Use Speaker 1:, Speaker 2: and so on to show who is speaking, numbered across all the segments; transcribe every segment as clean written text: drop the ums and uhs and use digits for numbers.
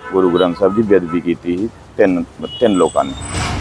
Speaker 1: गुरु ग्रंथ साहब की बेअदबी की थी तीन लोगों ने।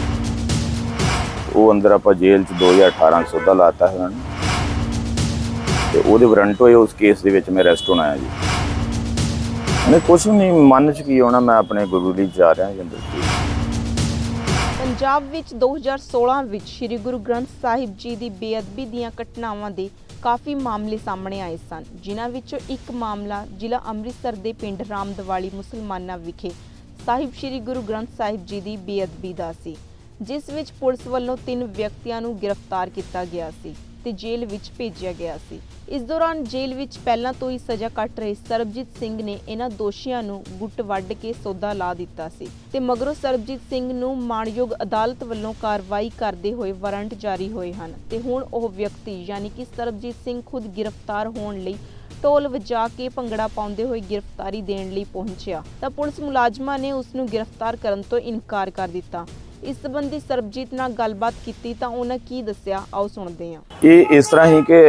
Speaker 1: वो अंदर आप जेल 2018 सौदा लाता है उन्होंने, तो वो वारंट होए उस केस के मैं अरेस्ट होना है जी। मैंने कुछ नहीं मन च की होना, मैं अपने गुरु लिए जा रहा जी अंदर।
Speaker 2: ਪੰਜਾਬ ਵਿੱਚ 2016 ਵਿੱਚ ਸ੍ਰੀ ਗੁਰੂ ਗ੍ਰੰਥ ਸਾਹਿਬ ਜੀ ਦੀ ਬੇਅਦਬੀ ਦੀਆਂ ਘਟਨਾਵਾਂ ਦੇ ਕਾਫੀ ਮਾਮਲੇ ਸਾਹਮਣੇ ਆਏ ਸਨ, ਜਿਨ੍ਹਾਂ ਵਿੱਚੋਂ ਇੱਕ ਮਾਮਲਾ ਜ਼ਿਲ੍ਹਾ ਅੰਮ੍ਰਿਤਸਰ ਦੇ ਪਿੰਡ ਰਾਮਦਵਾਲੀ ਮੁਸਲਮਾਨਾਂ ਵਿਖੇ ਸਾਹਿਬ ਸ੍ਰੀ ਗੁਰੂ ਗ੍ਰੰਥ ਸਾਹਿਬ ਜੀ ਦੀ ਬੇਅਦਬੀ ਦਾ ਸੀ, ਜਿਸ ਵਿੱਚ ਪੁਲਿਸ ਵੱਲੋਂ 3 ਵਿਅਕਤੀਆਂ ਨੂੰ ਗ੍ਰਿਫਤਾਰ ਕੀਤਾ ਗਿਆ ਸੀ ਤੇ ਜੇਲ੍ਹ ਵਿੱਚ ਭੇਜਿਆ ਗਿਆ ਸੀ। ਇਸ ਦੌਰਾਨ ਜੇਲ੍ਹ ਵਿੱਚ ਪਹਿਲਾਂ ਤੋਂ ਹੀ ਸਜ਼ਾ ਕੱਟ ਰਹੇ ਸਰਬਜੀਤ ਸਿੰਘ ਨੇ ਇਹਨਾਂ ਦੋਸ਼ੀਆਂ ਨੂੰ ਗੁੱਟ ਵੱਢ ਕੇ ਸੌਦਾ ਲਾ ਦਿੱਤਾ ਸੀ ਤੇ ਮਗਰੋਂ ਸਰਬਜੀਤ ਸਿੰਘ ਨੂੰ ਮਾਣਯੋਗ ਅਦਾਲਤ ਵੱਲੋਂ ਕਾਰਵਾਈ ਕਰਦੇ ਹੋਏ ਵਾਰੰਟ ਜਾਰੀ ਹੋਏ ਹਨ ਤੇ ਹੁਣ ਉਹ ਵਿਅਕਤੀ ਯਾਨੀ ਕਿ ਸਰਬਜੀਤ ਸਿੰਘ ਖੁਦ ਗ੍ਰਿਫਤਾਰ ਹੋਣ ਲਈ ਢੋਲ ਵਜਾ ਕੇ ਭੰਗੜਾ ਪਾਉਂਦੇ ਹੋਏ ਗ੍ਰਿਫਤਾਰੀ ਦੇਣ ਲਈ ਪਹੁੰਚਿਆ ਤਾਂ ਪੁਲਿਸ ਮੁਲਾਜ਼ਮਾਂ ਨੇ ਉਸ ਨੂੰ ਗ੍ਰਿਫਤਾਰ ਕਰਨ ਤੋਂ ਇਨਕਾਰ ਕਰ ਦਿੱਤਾ। इस संबंधी सरबजीत नाल गलबात की तां उन्हां की दस्सिया, आओ सुणदे हां।
Speaker 1: ये इस तरह ही कि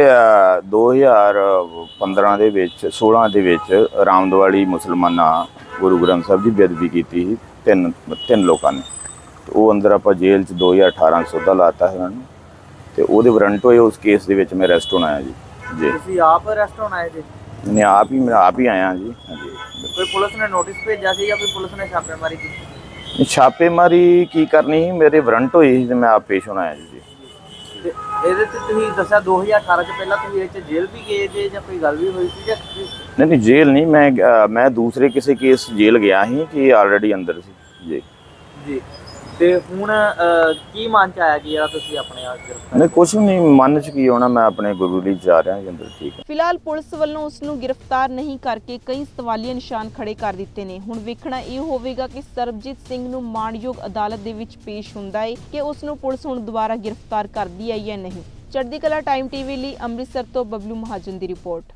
Speaker 1: 2015 ਦੇ ਵਿੱਚ 16 ਦੇ ਵਿੱਚ ਰਾਮਦਵਾਲੀ ਮੁਸਲਮਾਨਾਂ ਗੁਰੂ ਗ੍ਰੰਥ ਸਾਹਿਬ ਦੀ ਬੇਅਦਬੀ ਕੀਤੀ ਸੀ ਤਿੰਨ ਲੋਕਾਂ ਨੇ। ਤੇ ਉਹ ਅੰਦਰ ਆਪਾਂ ਜੇਲ੍ਹ 'ਚ 2018 ਸੌਦਾ ਲਾਤਾ ਹੈ ਉਹਨਾਂ ਨੂੰ, ਤੇ ਉਹਦੇ ਵਾਰੰਟ ਹੋਏ ਉਸ ਕੇਸ ਦੇ ਵਿੱਚ ਮੈਂ ਅਰੈਸਟ ਹੋਣਾ ਹੈ ਜੀ।
Speaker 3: ਤੁਸੀਂ ਆਪ ਅਰੈਸਟ ਹੋਣਾ ਹੈ ਜੀ?
Speaker 1: ਮੈਂ ਆਪ ਹੀ ਆਇਆ ਜੀ। ਹਾਂਜੀ।
Speaker 3: ਕੋਈ ਪੁਲਿਸ ਨੇ ਨੋਟਿਸ ਭੇਜਿਆ ਸੀ ਜਾਂ ਕੋਈ ਪੁਲਿਸ ਨੇ ਛਾਪੇਮਾਰੀ ਕੀਤੀ?
Speaker 1: ਛਾਪੇਮਾਰੀ ਕੀ ਕਰਨੀ ਸੀ, ਮੇਰੇ ਵਾਰੰਟ ਹੋਏ ਸੀ ਤੇ ਮੈਂ ਆਪ ਪੇਸ਼ ਹੋਣਾ ਹੈ ਜੀ।
Speaker 3: ਤੇ ਇਹਦੇ ਤੇ ਤੁਸੀਂ ਦੱਸਿਆ 2018 ਚ ਪਹਿਲਾਂ ਤੁਸੀਂ ਇਹ ਚ ਜੇਲ੍ਹ ਵੀ ਗਏ ਜੇ ਜਾਂ ਕੋਈ ਗੱਲ ਵੀ ਹੋਈ ਸੀ ਜਾਂ
Speaker 1: ਨਹੀਂ ਜੇਲ੍ਹ ਨਹੀਂ, ਮੈਂ ਦੂਸਰੇ ਕਿਸੇ ਕੇਸ ਜੇਲ੍ਹ ਗਿਆ ਸੀ ਕਿ ਆਲਰੇਡੀ ਅੰਦਰ ਸੀ ਜੀ।
Speaker 3: ਜੀ ਤੇ ਹੁਣ ਕੀ ਮਨ ਚ ਆਇਆ ਕਿ ਯਾਰ ਤੁਸੀਂ ਆਪਣੇ ਆਪ ਗ੍ਰਿਫਤਾਰ?
Speaker 1: ਨਹੀਂ ਕੁਛ ਨਹੀਂ ਮਨ ਚ ਕੀ ਹੋਣਾ, ਮੈਂ ਆਪਣੇ ਗੁਰੂ ਲਈ ਜਾ ਰਿਹਾ ਜੀ ਅੰਦਰ। ਠੀਕ ਹੈ।
Speaker 2: ਫਿਲਹਾਲ ਪੁਲਿਸ ਵੱਲੋਂ ਉਸ ਨੂੰ ਗ੍ਰਿਫਤਾਰ ਨਹੀਂ ਕਰਕੇ ਕਈ ਸਵਾਲੀਆ ਨਿਸ਼ਾਨ ਖੜੇ ਕਰ ਦਿੱਤੇ ਨੇ। ਹੁਣ ਵੇਖਣਾ ਇਹ ਹੋਵੇਗਾ ਕਿ ਸਰਬਜੀਤ ਸਿੰਘ ਨੂੰ ਮਾਣਯੋਗ ਅਦਾਲਤ ਦੇ ਵਿੱਚ ਪੇਸ਼ ਹੁੰਦਾ ਹੈ ਕਿ ਉਸ ਨੂੰ ਪੁਲਿਸ ਹੁਣ ਦੁਬਾਰਾ ਗ੍ਰਿਫਤਾਰ ਕਰਦੀ ਹੈ ਜਾਂ ਨਹੀਂ। ਚੜ੍ਹਦੀ ਕਲਾ ਟਾਈਮ ਟੀਵੀ ਲਈ ਅੰਮ੍ਰਿਤਸਰ ਤੋਂ ਬਬਲੂ ਮਹਾਜਨ ਦੀ ਰਿਪੋਰਟ।